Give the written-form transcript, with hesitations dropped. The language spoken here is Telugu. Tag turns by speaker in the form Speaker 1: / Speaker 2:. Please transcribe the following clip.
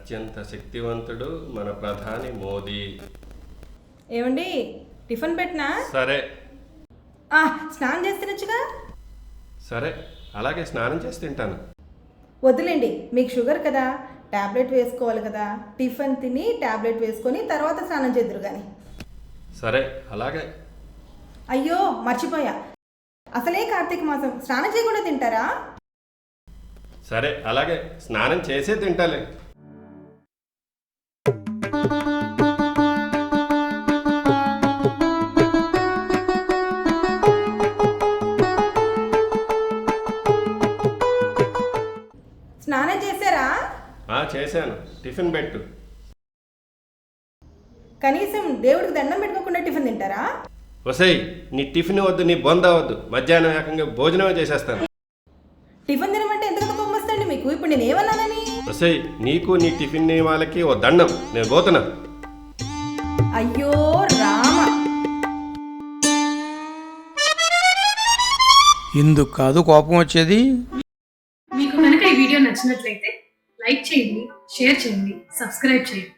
Speaker 1: అత్యంత శక్తివంతుడు మన ప్రధాని మోదీ.
Speaker 2: ఏమండి టిఫిన్ పెట్టినా?
Speaker 1: సరే
Speaker 2: స్నానం చేసి తినొచ్చుగా.
Speaker 1: సరే, అలాగే స్నానం చేసి తింటాను.
Speaker 2: వద్దులేండి, మీకు షుగర్ కదా, ట్యాబ్లెట్ వేసుకోవాలి కదా. టిఫిన్ తిని ట్యాబ్లెట్ వేసుకొని తర్వాత స్నానం చేద్దురు కానీ.
Speaker 1: సరే, అలాగే.
Speaker 2: అయ్యో మర్చిపోయా, అసలే కార్తీక మాసం, స్నానం చేయకుండా తింటారా?
Speaker 1: సరే, అలాగే, స్నానం చేసే తింటాలే.
Speaker 2: స్నానం చేశారా?
Speaker 1: చేశాను. టిఫిన్ పెట్టు.
Speaker 2: కనీసం దేవుడికి దండం పెట్టుకోకుండా టిఫిన్ తింటారా?
Speaker 1: వసయ్, నీ టిఫిన్ వద్దు, నీ బొంద వద్దు, మధ్యాహ్నం ఏకంగా భోజనమే చేసేస్తాను.
Speaker 2: టిఫిన్ తినమంటే ఎందుకంత కోపం వస్తుంది మీకు? ఇప్పుడు నేను ఏమన్నానని?
Speaker 1: వసయ్, నీకు నీ టిఫిన్ వాళ్ళకి ఓ దండం, నేను పోతున్నా.
Speaker 2: అయ్యో రామ,
Speaker 3: ఇందుకు కాదు కోపం వచ్చేది.
Speaker 4: మీకు కనుక ఈ వీడియో నచ్చినట్లయితే లైక్ చేయండి, షేర్ చేయండి, సబ్స్క్రైబ్ చేయండి.